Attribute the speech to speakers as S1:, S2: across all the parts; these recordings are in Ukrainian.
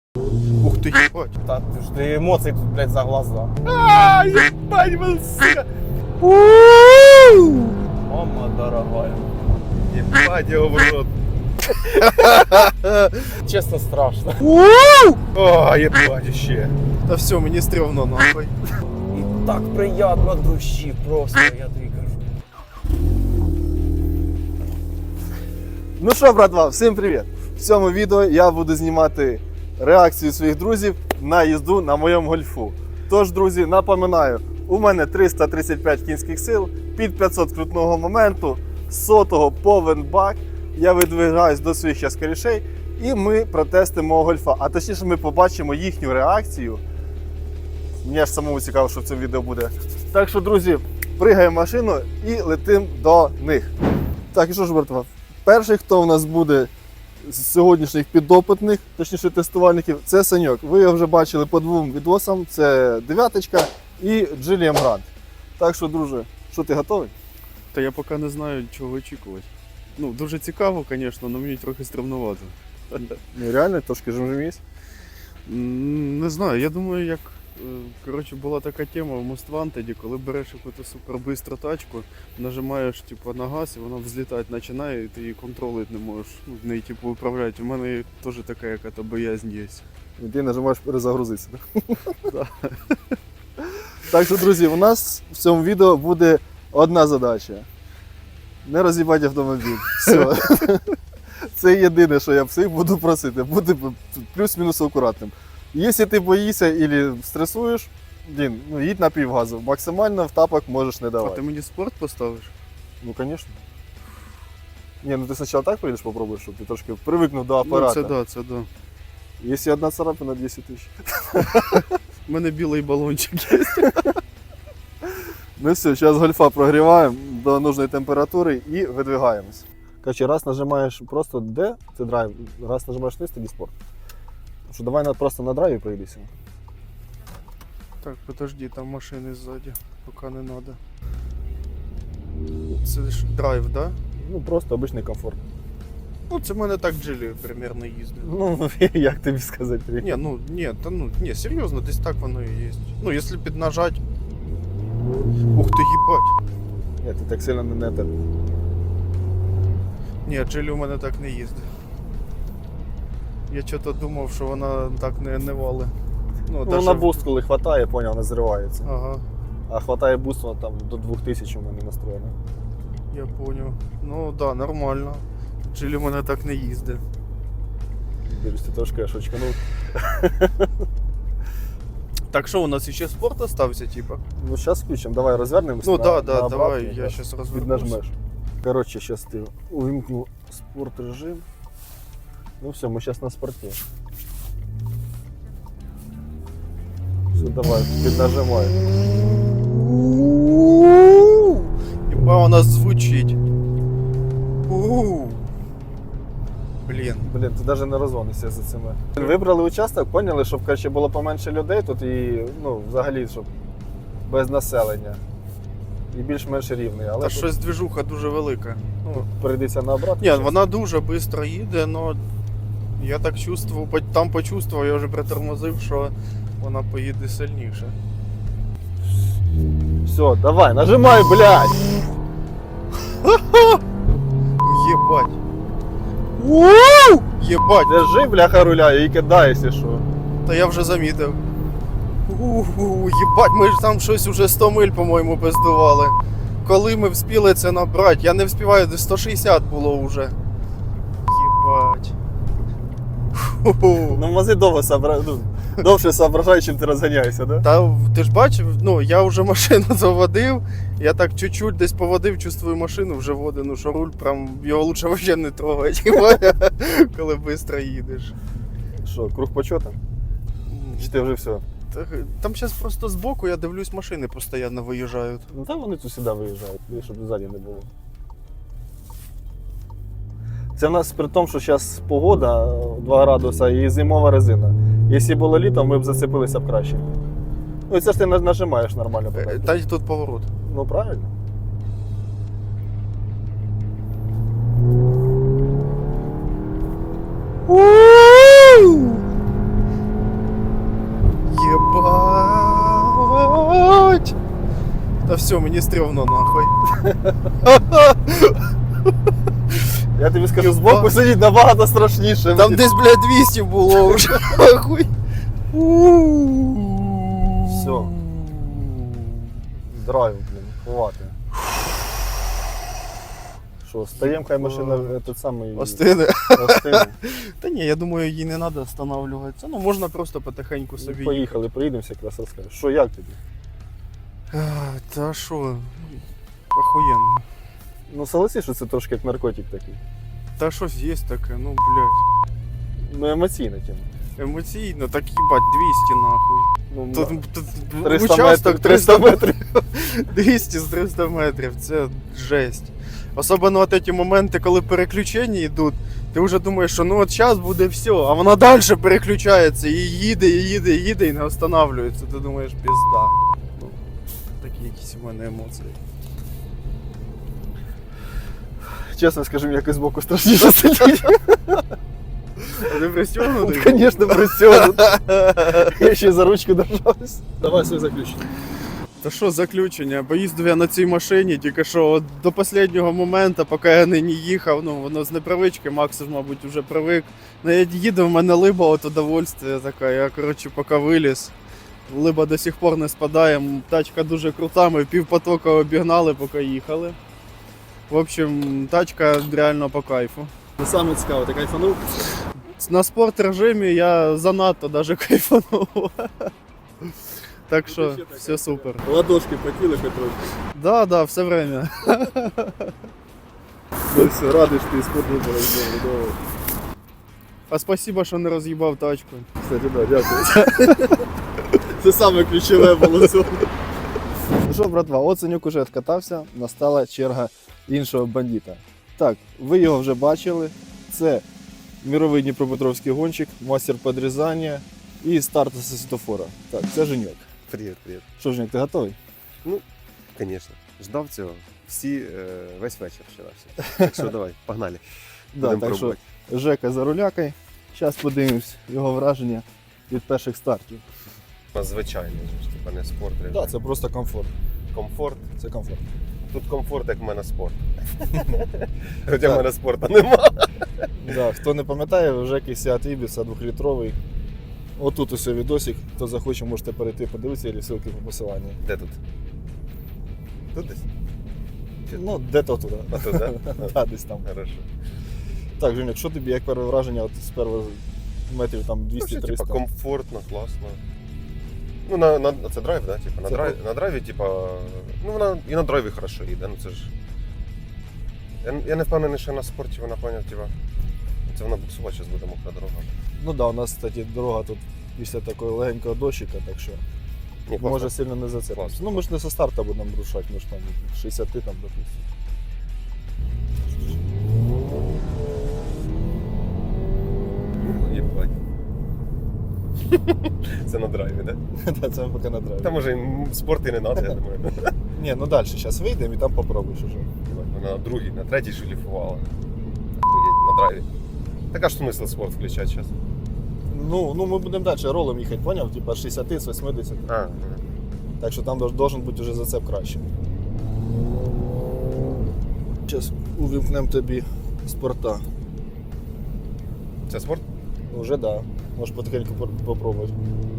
S1: Ух ты, ебать.
S2: Та ти ж ти емоцій тут, блядь, за глаза.
S1: Ебать, был, сука.
S2: Мама дорогая.
S1: Ебать его в рот.
S2: Чесно, страшно.
S1: О, ебать, еще. Да все, мне стрёмно нахуй.
S2: І так приємно душі просто, я тобі кажу.
S3: Ну що, братва, всім привіт! В цьому відео я буду знімати реакцію своїх друзів на їзду на моєму гольфу. Тож, друзі, напоминаю, у мене 335 кінських сил, під 500 крутного моменту, сотого повен бак. Я видвигаюсь до своїх зараз корішей і ми протестимо мого гольфа. А точніше ми побачимо їхню реакцію. Мені аж самому цікаво, що в цьому відео буде. Так що, друзі, пригаємо в машину і летимо до них. Так, і що ж, братва? Перший, хто у нас буде з сьогоднішніх підопитних, точніше тестувальників, це Саньок. Ви його вже бачили по двом відосам. Це дев'яточка і Джиліам Грант. Так що, друже, що ти готовий?
S1: Та я поки не знаю, чого очікувати. Ну, дуже цікаво, звісно, але мені трохи стремновато.
S3: Ну реально, трошки жмжимісь.
S1: Не знаю, я думаю, як коротше, була така тема в Most Wanted, коли береш якусь супербистру тачку, нажимаєш типу, на газ і вона взлітати починає, і ти її контролити не можеш, в неї типу, управляти. У мене теж така яка-то боязнь є.
S3: І ти нажимаєш перезагрузитися. Да? Так що, друзі, у нас в цьому відео буде одна задача. Не роз'їбати автомобіль. Все. Це єдине, що я всіх буду просити. Бути плюс-мінус акуратним. Якщо ти боїшся або стресуєш, блін, ну їдь на півгазу. Максимально в тапок можеш не
S1: А
S3: давати.
S1: ти мені спорт поставиш?
S3: Ну, звісно. Ні, ну ти спочатку так поїдеш, попробуєш, щоб ти трошки привикнув до
S1: Ну,
S3: апарату.
S1: це да.
S3: Якщо одна царапина, 10 тисяч.
S1: У мене білий балончик є.
S3: Ну все, зараз гольфа прогріваємо до нужної температури і видвигаємось. Короче, раз нажимаєш просто D, це драйв, раз нажимаєш низ, тоді спорт. Що давай просто на драйві проїдися.
S1: Так, подожди, там машини ззаді, поки не треба. Це ж драйв, так? Да?
S3: Ну просто обичний комфорт.
S1: Ну, це в мене так джилі примерно їздить.
S3: Ну, як тобі сказати?
S1: Ні, серйозно, десь так воно і є. Ну, якщо піднажать. Ух ти, їбать.
S3: Ні, ти так сильно не те.
S1: Ні, джилі у мене так не їздить. Я чого-то думав, що вона так не вали.
S3: Ну,
S1: даже...
S3: на буст, коли хватає, поняв, не зривається.
S1: Ага,
S3: А хватає буст, вона там до 2000 у мене настроєна.
S1: я поняв. Ну, да, нормально. Джилі у мене так не їздить.
S3: Дивись, ти трошки аж очканув.
S1: Так що, у нас ще спорт остався, типа?
S3: Ну, зараз включимо, давай розвернемося.
S1: Ну,
S3: на
S1: давай,
S3: обратний,
S1: я зараз розвернусь.
S3: Піднажмеш. Коротше, зараз ти увімкну спорт режим. Ну все, ми зараз на спорті. Все, давай, піднажимай.
S1: Єба у нас звучить. Блін.
S3: Блін, ти навіть не розгонишся за цими. Вибрали участок, поняли, щоб краще було поменше людей тут і, ну, взагалі, щоб без населення. І більш-менш рівний. Але
S1: Та
S3: тут
S1: щось движуха дуже велика. Ну,
S3: перейдеться на обратку.
S1: ні, вона дуже швидко їде, але я так чувствую, там почувствував, я вже притормозив, що вона поїде сильніше.
S3: Все, давай, нажимай, блядь!
S1: Єбать. Єбать.
S3: Держи, бляха, руля і кидай, якщо що.
S1: Та я вже замітив. Єбать, ми ж там щось уже 100 миль, по-моєму, пиздували. Коли ми вспіли це набрати, я не вспіваю, десь 160 було вже. Єбать.
S3: Ну, мази довше соображай, чим ти розганяєшся, да?
S1: Та ти ж бачив, ну я вже машину заводив, я так чуть-чуть десь поводив, чувствую машину вже води, ну що руль, прям його лучше взагалі не трогати, коли швидко їдеш.
S3: Що, круг почота? Чи ти вже все?
S1: Там зараз просто збоку, я дивлюсь, машини постійно виїжджають.
S3: Ну там вони тут сюди виїжджають, щоб ззаді не було. Це в нас при тому, що зараз погода 2 градуса і зимова резина. Якщо було літо, ми б зацепилися б краще. Ну і це ж ти нажимаєш нормально.
S1: Та й тут поворот.
S3: Ну правильно.
S1: Та все, мені стрьомно нахуй.
S3: Я тобі скажу, збоку сидіть набагато страшніше.
S1: Там десь, блядь, 200 було вже. Нахуй.
S3: Все. Драйв, блін, хвати. Що, стаємо, хай машина этот самий
S1: Остине.
S3: остине.
S1: Та ні, я думаю, їй не треба встановлюватися. Ну, можна просто потихеньку собі.
S3: Поїхали, приїдемося, якраз розкажеш. Що, як тобі?
S1: Та що, охуєнно.
S3: Ну согласись, що це трошки як наркотик такий.
S1: Та щось є таке, ну, блядь.
S3: Ну емоційна тема.
S1: Емоційно, так їбать, 200 нахуй.
S3: Ну,
S1: Тут
S3: 300
S1: участок
S3: метрів, 300 метрів.
S1: 200 з 300 метрів, це жесть. Особливо от ці моменти, коли переключення йдуть, ти вже думаєш, що ну от зараз буде все, а вона далі переключається і їде, і їде, і їде, і не останавливається. Ти думаєш, пізда. Ну, такі якісь у мене емоції.
S3: Чесно скажу, мені якось збоку страшніше сидіти.
S1: А ти пристегнутий?
S3: Звісно, пристегнут. Я ще за ручку держався. Давай своє заключення.
S1: Та що заключення? Поїздив я на цій машині, тільки що от до останнього моменту, поки я не їхав, ну воно з непривички, Макс, мабуть, вже привик. Ну я їду, в мене либа от удовольствие така, я, коротше, поки виліз. Либа до сих пор не спадає, тачка дуже крута, ми півпотока обігнали, поки їхали. В общем, тачка реально по кайфу.
S3: Саме цікаво, ти кайфанув?
S1: На спорт режимі я занадто даже кайфанув. Так що все супер.
S3: Ладошки потіли хоч трохи.
S1: Да, все время.
S3: Ну все, радий, що ти сподобалось, добре.
S1: А спасибо, що не роз'їбав тачку.
S3: Кстати, да, дякую. Це саме ключове було цього. Ну що, братва, Оценюк уже відкатався, настала черга іншого бандита. Так, ви його вже бачили. Це мировий дніпропетровський гонщик, мастер підрізання і старт зі світофора. Так, це Женьок.
S4: Привіт, привіт.
S3: Що, Женьок, ти готовий?
S4: Звісно. Ждав цього. Весь вечір вчора. Так що давай, погнали.
S3: Да,
S4: Будемо
S3: так що
S4: пробувати.
S3: Жека за рулякою. Зараз подивимось його враження від перших стартів.
S4: Звичайно, типа не спорт.
S3: Так, да, це просто комфорт.
S4: Комфорт.
S3: Це комфорт.
S4: Тут комфорт, як в мене спорт. Хоча в мене спорту нема.
S3: Да, хто не пам'ятає, вже якийсь Seat Ibiza 2-літровий. Отут ось відосик, хто захоче, можете перейти, подивитися, і ссылки по посиланню.
S4: Де тут? Тут десь?
S3: Ну, де-то туди.
S4: А тут, да?
S3: Да, десь там.
S4: Хорошо.
S3: Так, Женя, що тобі, як перше враження от з перших метрів там
S4: Вообще,
S3: 200-300?
S4: типа, комфортно, класно. Ну, це драйв, да? Типа,
S3: Це
S4: на драйві, типа, ну вона і на драйві хорошо їде, ну це ж. Я не впевнений, що на спорті вона поняв, типа, це вона буксувати зараз буде мокра дорога.
S3: Ну так, да, у нас, кстати, дорога тут після такого легенького дощика, так що
S4: Ні, класно.
S3: може сильно не зацепимося.
S4: Класно.
S3: Ну ми ж не со старта будемо рушати, ми ж там 60 там, допустим.
S4: Єбать. Це на драйві, да?
S3: Да, це ми поки на драйві.
S4: Та може спорт і не треба, я думаю.
S3: Ні, ну далі, зараз вийдемо і там попробуєш уже.
S4: Вона на другій, на третій шліфувала. Охуєть, на драйві. Так а ж смисл спорт включати зараз?
S3: Ну ми будемо далі ролом їхати, поняв? Типа 60 з 80.
S4: А,
S3: Так що там должен бути вже зацеп краще. Зараз увімкнемо тобі спорта.
S4: це спорт?
S3: Уже да. Можеш потихеньку попробувати.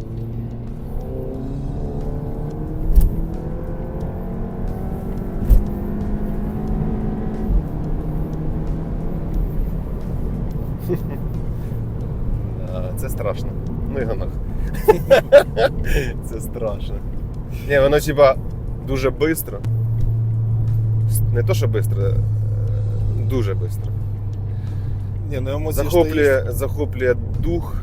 S4: Це страшно. Ну його нахуй. Це страшно. Ні, воно типа дуже швидко. Не то, що швидко, дуже швидко.
S3: Ні, ну емоції ж
S4: Захоплює дух.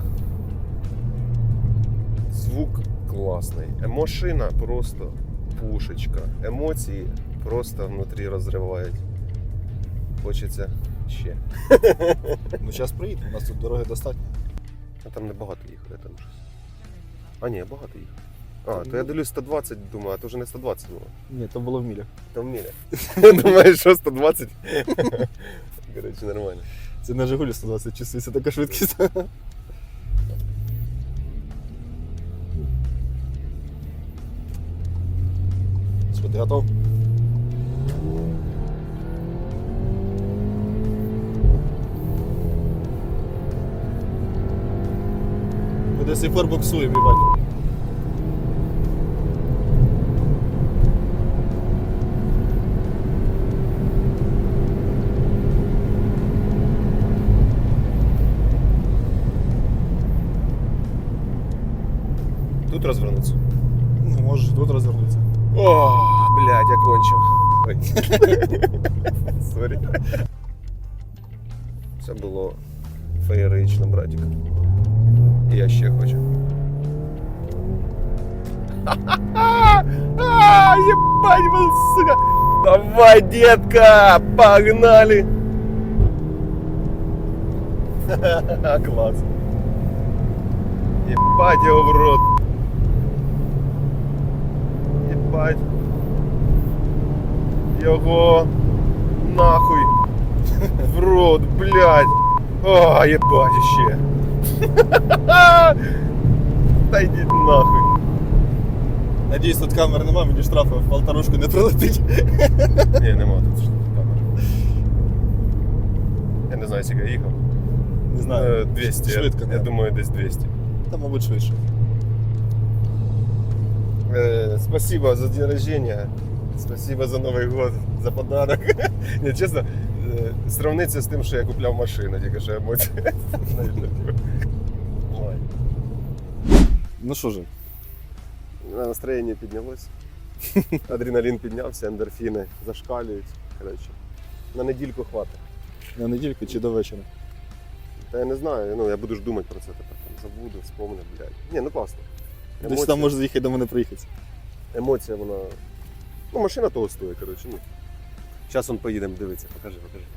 S4: Звук класний. Машина просто пушечка. Емоції просто внутрі розривають. Хочеться ще.
S3: Ну зараз приїдемо, у нас тут дороги достатньо.
S4: А там не багато їхали, там щось. А ні, багато їхали. А, то я дивлюсь 120, думаю, а то вже не 120 було.
S3: Ні, то було в мілях.
S4: Там міля. Думаю, що 120. Коротше, нормально.
S3: Це на Жигулі 120 чувствується така швидкість. Що Що, ти готов? Ми до сих пор буксуємо, їбать.
S4: Тут розвернуться.
S3: Ну, можеш тут розвернутися.
S4: О, блядь, я кончив. Ой. Сорі. Це було феєрично, братик. І я ще хочу. Ебать, был, сука! Давай, детка! Погнали! Класс. Ебать его в рот. Ебать. Його нахуй в рот, блядь. О, ебать ще. Та йдіть нахуй.
S3: Надіюсь, тут камер нема, мені штрафу в полторушку не прилетить.
S4: Ні, нема тут камер. Я не знаю, скільки я їхав.
S3: Не знаю.
S4: 200.
S3: Швидко,
S4: я
S3: да.
S4: думаю, десь 200.
S3: Та, мабуть, швидше.
S4: Спасибо за день рождения. Спасибо за Новий год, за подарок. Ні, чесно, сравниться з тим, що я купляв машину, тільки що емоції. Ой.
S3: Ну що ж,
S4: Настроєння піднялось. Адреналін піднявся, ендорфіни зашкалюють. Коротше, на недільку хватить.
S3: на недільку чи до вечора?
S4: Та я не знаю, ну я буду ж думати про це тепер. Там, забуду, вспомню, блядь. Ні, ну класно.
S3: Десь там може заїхати до мене приїхати.
S4: Емоція, вона. Ну, машина того стоїть, коротше. Ну. Зараз он поїдемо дивитися, покажи.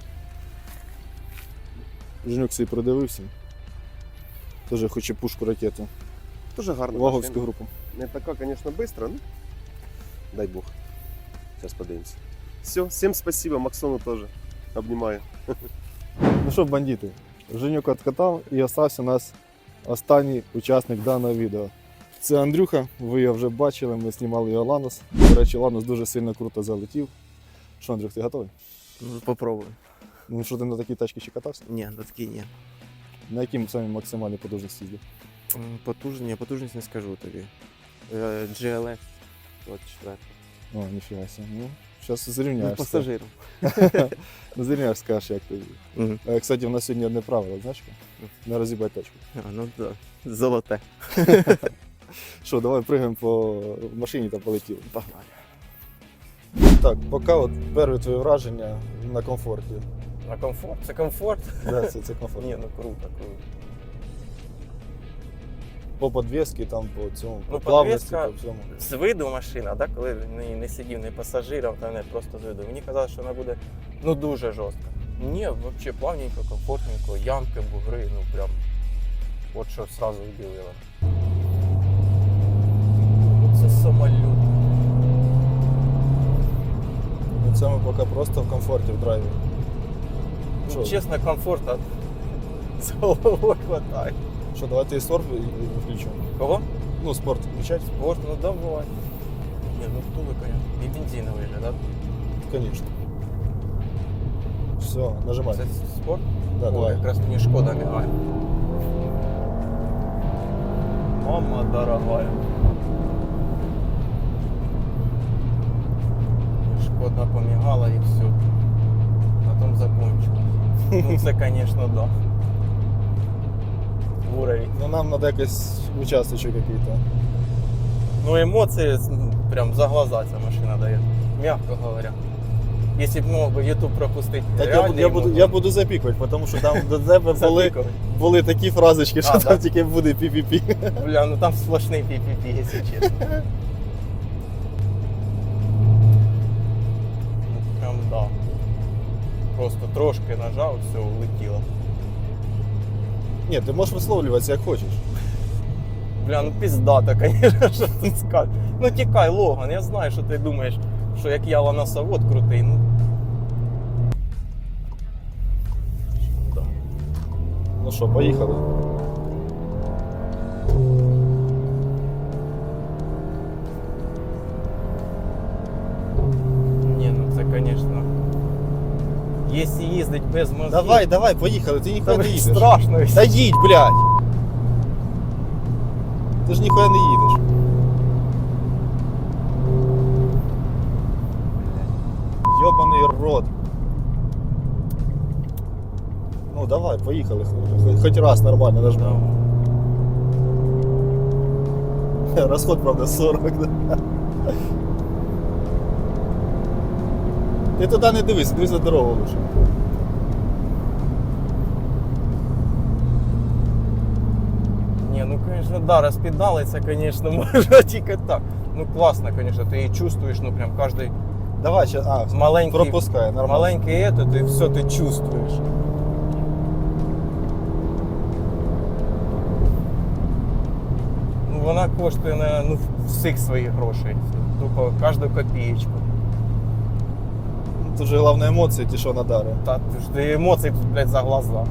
S3: Женюк собі продивився. Теж хоче пушку ракету.
S4: Дуже гарно.
S3: Ваговську групу.
S4: Не така, звісно, швидко, ну. Дай Бог. Зараз подивимося. Все, всім спасибо, Максону теж. Обнімаю.
S3: Ну що, бандити, Женюк откатав і остався у нас останній учасник даного відео. Це Андрюха, ви його вже бачили, ми знімали його Ланос. До речі, Ланос дуже сильно круто залетів. Що, Андрюх, ти готовий?
S2: Ну, попробуй.
S3: Ну що, ти на такій тачці ще катався?
S2: Ні, на такій ні.
S3: На якій самі максимальній потужності їздив?
S2: Потужність не скажу тобі. GLX 24.
S3: О, ніфіга себе. Ну, зараз
S2: Ну,
S3: зрівняєшся.
S2: пасажиром.
S3: Ну, зрівняєш, скажеш, як ти.
S2: Мгм.
S3: Кстати, в нас сьогодні одне правило, знаєш? Не роз'їбай тачку.
S2: Ну так, золоте.
S3: Що, давай пригаємо по машині та полетіли.
S2: Погнали.
S3: Так, поки от перші твої враження на комфорті.
S2: На комфорт? Це комфорт?
S3: Да, це комфорт.
S2: Ні, ну круто.
S3: По подвісці, там, по цьому,
S2: Ну,
S3: по плавності,
S2: подвеска-
S3: по всьому.
S2: З виду машина, да, коли не сидів не пасажиром, та не просто з виду. Мені казали, що вона буде ну дуже жорстка. Ні, взагалі плавненько, комфортненько, ямки, бугри, ну прям. От що одразу вбілило. Це самоліт.
S3: Ну, це ми поки просто в комфорті в драйві.
S2: Ну,
S3: Що?
S2: чесно, комфорта з головою хватає.
S3: Що, давайте і сорф включимо.
S2: Кого?
S3: Ну, спорт включати?
S2: Спорт, ну давай. Ні, ну втулы, конечно. І бензиновий же, да?
S3: Звісно. Все, нажимай.
S2: Це спорт?
S3: Да,
S2: О,
S3: давай.
S2: якраз мені шкода мігає. Мама дорогая. Шкода помігала і все. На том закончилось. Ну це, конечно, да. Уровень.
S3: Ну, нам треба якийсь участочок який-то.
S2: Ну эмоции прям за глаза ця машина дає. Мягко говоря. Если б мог би YouTube пропустити.
S3: Так
S2: реальні
S3: я буду запікувати, тому що там до тебе були такі фразочки, що
S2: А,
S3: там
S2: да?
S3: тільки буде пі-пі-пі.
S2: Бля, ну там сплошний пі-пі-пі, якщо чесно. Ну прям да. Просто трошки нажав, все, улетіло.
S3: Ні, ти можеш висловлюватися як хочеш.
S2: Бля, ну пиздато, конечно, що тут скажеш. Ну тікай, Логан, я знаю, що ти думаєш, що як я ланосовод крутий, ну. Да.
S3: Ну що, поїхали.
S2: без мозгів.
S3: Давай, поїхали, ти ніхуя не
S2: Та
S3: їдеш.
S2: страшно.
S3: Та їдь, блядь! Ти ж ніхуя не їдеш. Йобаний рот. Ну давай, поїхали. Хоч раз нормально нажми. Розход, правда, 40. Да? Ти туди не дивись, дивись на дорогу лише.
S2: Ні, ну звісно, да, розпідалиться, звісно, можна тільки так. Ну класно, звісно, ти її чувствуєш, ну прям кожний
S3: Давай, ще,
S2: маленький,
S3: пропускай, нормально.
S2: маленький этот, і все ти чувствуєш. Ну вона коштує на всіх своїх грошей. Тупо кожну копієчку.
S3: Тут же головне емоції, ті, що надари.
S2: Та ти ж ти емоцій тут, блядь, за глаза.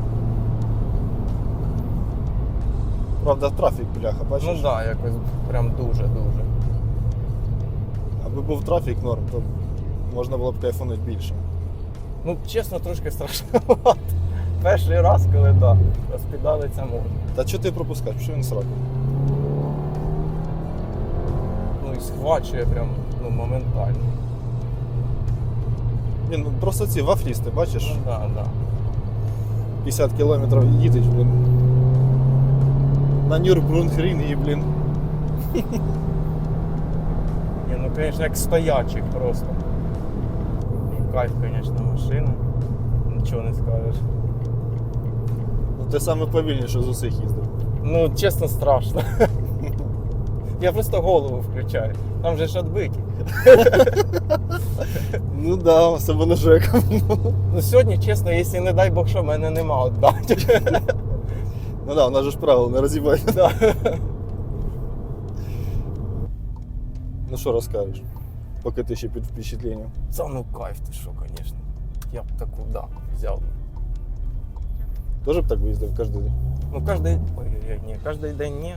S3: Правда, трафік, бляха, бачиш?
S2: Ну так, да, якось прям дуже-дуже.
S3: Аби був трафік норм, то можна було б кайфанути більше.
S2: Ну, чесно, трошки страшновато. Перший раз, коли да, розпідалиться можна.
S3: Та чого ти пропускаєш? Що він сраку?
S2: Ну і схвачує прям моментально.
S3: Він просто ці вафлісти, бачиш?
S2: Ну да, да.
S3: 50 кілометрів їдеш, блін. На Нюрбургрінгі, блін.
S2: Ні, ну звісно, як стоячий просто. І кайф, звісно, машина. Нічого не скажеш.
S3: Ну ти саме повільніше з усіх їздив.
S2: Ну, чесно, страшно. Я просто голову включаю. Там же ж відбиті.
S3: Ну да, особливо Жека.
S2: Ну сьогодні, чесно, якщо не дай Бог, що в мене нема віддати.
S3: Ну да, у нас же ж правило, не роз'їбай.
S2: Да.
S3: Ну що розкажеш? Поки ти ще під впечатленням.
S2: Це ну кайф, ти що, звісно. Я б таку, да, взяв.
S3: Тоже б так виїздив кожен день?
S2: Ну, кожен... Ой, ні, кожен день ні.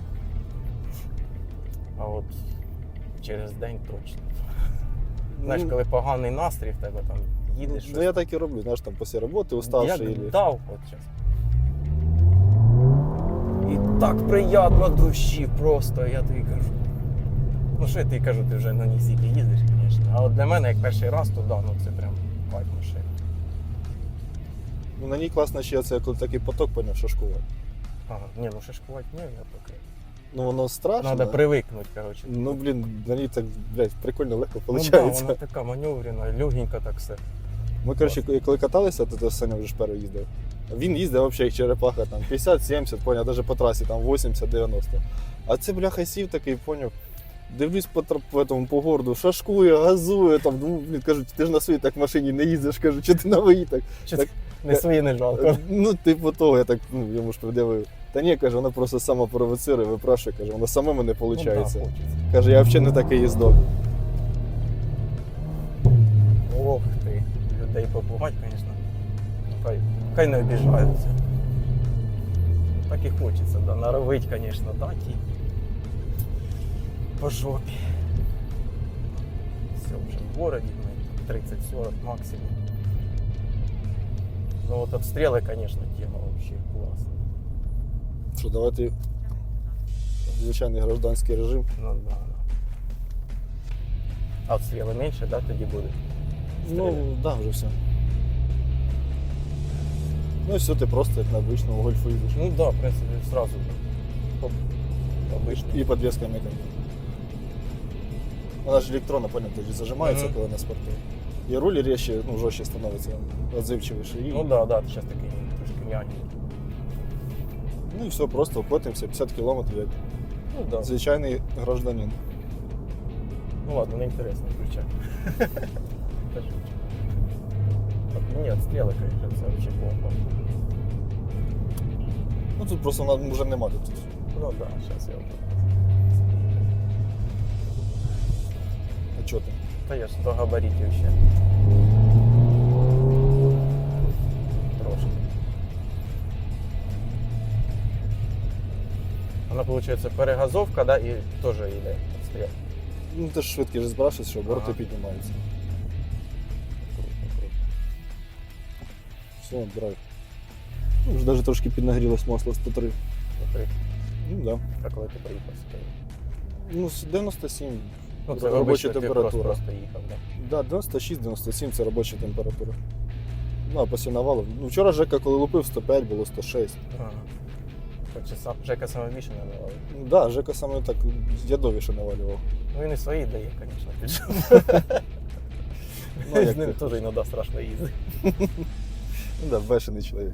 S2: А от через день точно. Знаєш,
S3: Ну,
S2: коли поганий настрій в тебе там їдеш.
S3: Ну я так і роблю, знаєш, там після роботи уставший.
S2: Як
S3: Или...
S2: дав от зараз. І так приємно душі просто, я тобі кажу. Ну що я тобі кажу, ти вже на ній стільки їздиш, звісно. А от для мене, як перший раз, то да, ну це прям кайф машина.
S3: Ну на ній класно ще це, коли такий поток поняв, що школа.
S2: Ага, ні, ну шашкувати ні, я поки.
S3: Ну воно страшно.
S2: Надо привикнути, коротше.
S3: Ну блін, на ній так, блядь, прикольно легко
S2: Ну,
S3: виходить.
S2: да, вона така маневрена, легенька так все.
S3: Ми, коротше, коли каталися, то Саня вже ж перший їздив. Він їздив взагалі як черепаха, там 50-70, поняв, навіть по трасі, там 80-90. А це, бляха, сів такий, поняв. Дивлюсь по городу, шашкує, газує, там, ну, блін, кажуть, ти ж на своїй так машині не їздиш, кажу, чи ти на моїй так.
S2: Чи
S3: Так,
S2: не свої не жалко.
S3: Ну, типу того, я так, ну, йому ж пред'явив. Та ні, каже, вона просто сама провоцирує, випрашує, каже, вона самому не
S2: Ну,
S3: виходить.
S2: да, хочеться.
S3: Каже, я взагалі не такий їздок.
S2: Ох ти, людей побувати, звісно. Хай не обіжаються. Так і хочеться, да. Наровить, звісно, дати і по жопі. Все, вже в городі, 30-40 максимум. Ну от обстріли, звісно, тема вообще клас.
S3: Що, давайте звичайний гражданський режим.
S2: Ну да, да. А обстріли менше, да, тоді буде?
S3: Ну, да, вже все. Ну і все, ти просто як на обичному гольфу їдеш.
S2: Ну да, в принципі, сразу. Оп, обично.
S3: І подвеска м'якенька. Вона ж електронна, понял, тоді зажимається,
S2: Мгм.
S3: коли на спорту. І руль резче, ну, жорстче становиться, відзивчивіше. І...
S2: Ну да, да, ти зараз такий трошки м'який.
S3: Ну і все, просто вкотимося 50 кілометрів, як
S2: Ну да.
S3: звичайний гражданин.
S2: Ну ладно, не интересно, включай. Та шучу. От, ні, отстріли, конечно, це вообще бомба.
S3: Ну тут просто вона вже нема тут.
S2: Ну да, зараз я.
S3: А чого ти?
S2: Та я ж до габаритів ще. Трошки. Вона, виходить, перегазовка, да, і теж йде отстріл.
S3: Ну ти ж швидкий же збираєшся, що обороти
S2: Ага.
S3: піднімаються.
S2: Круто, круто.
S3: Все, драйв. Ну, вже навіть трошки піднагрілось масло 103.
S2: Три.
S3: Ну да.
S2: А коли ти приїхав сюди?
S3: Ну, 97
S2: Ну,
S3: це робоча
S2: ти
S3: температура.
S2: Просто їхав, так?
S3: Да, 96-97 це робоча температура. Ну, а після навалу. Ну, вчора Жека, коли лупив, 105 було 106.
S2: Ага. Так, чи Жека саме більше не давав?
S3: Ну, да, Жека саме так ядовіше навалював.
S2: Ну він і свої дає, звісно, піджив.
S3: Ну, як
S2: З ним
S3: ти
S2: теж іноді страшно їздити.
S3: Ну да, бешений чоловік.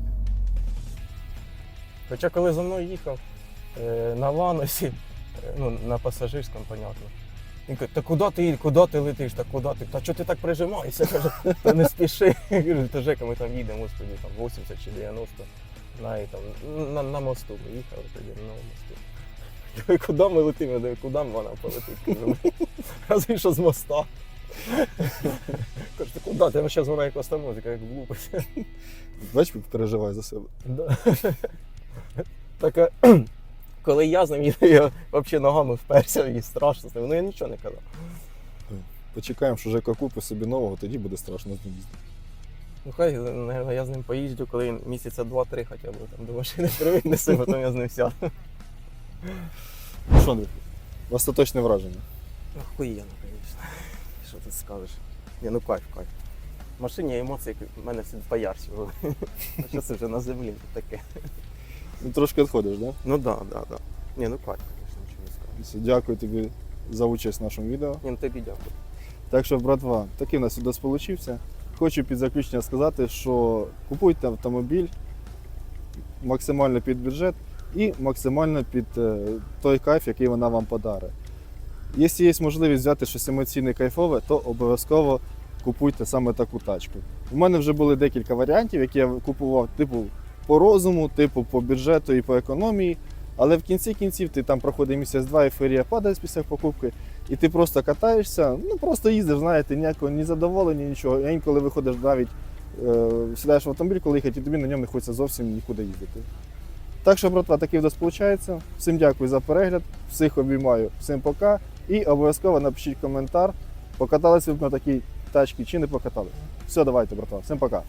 S2: Хоча коли за мною їхав на Ланосі, ну, на пасажирському, понятно. Він каже, та куди ти летиш, та куди ти? Та чого ти так прижимаєшся? Каже, та не спіши. Я кажу, та Жека, ми там їдемо, господи, там 80 чи 90 на мосту. Ми їхали тоді на мосту. Я кажу, куди ми летимо? Я кажу, куди вона полетить? Кажу, разве що з моста. Кажу, ти куди? Ти зараз вона як остановить, як глупость.
S3: Бач, як переживає за себе.
S2: Да. Так, коли я з ним їду, я взагалі ногами вперся і страшно з ним. Ну я нічого не казав.
S3: Почекаємо, що Жека купить собі нового, тоді буде страшно з ним їздити.
S2: Ну хай, наверное, я з ним поїжджу, коли він місяця 2-3 хоча б там до машини привіднеси, потім я з ним сяду.
S3: Ну що, Андрій, остаточне враження?
S2: Охуєнно, звісно. Що ти скажеш? Ні, ну кайф. В машині емоції в мене всі поярші були. А що це вже на землі таке?
S3: Ну, трошки відходиш, так? Да?
S2: Ну да. Ні, ну кайф, звісно, нічого не скажу.
S3: Все, дякую тобі за участь в нашому відео.
S2: Ні, ну тобі дякую.
S3: Так що, братва, такий у нас відео получився. Хочу під заключення сказати, що купуйте автомобіль максимально під бюджет і максимально під той кайф, який вона вам подарить. Якщо є можливість взяти щось емоційне кайфове, то обов'язково купуйте саме таку тачку. У мене вже були декілька варіантів, які я купував типу по розуму, типу по бюджету і по економії. Але в кінці кінців ти там проходить місяць-два, ейфорія падає після покупки, і ти просто катаєшся, ну просто їздиш, знаєте, ніякого ні задоволення, нічого. А інколи виходиш навіть, сідаєш в автомобіль, коли їхати, і тобі на ньому не хочеться зовсім нікуди їздити. Так що, братва, такий відео виходить. Всім дякую за перегляд, всіх обіймаю, всім пока. І обов'язково напишіть коментар, покаталися ви на такій тачці чи не покатали. Все, давайте, братва, всім пока.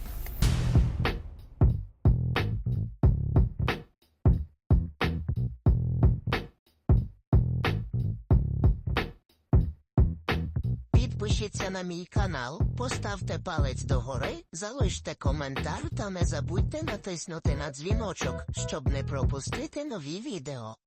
S5: Підпишіться на мій канал, поставте палець догори, залиште коментар та не забудьте натиснути на дзвіночок, щоб не пропустити нові відео.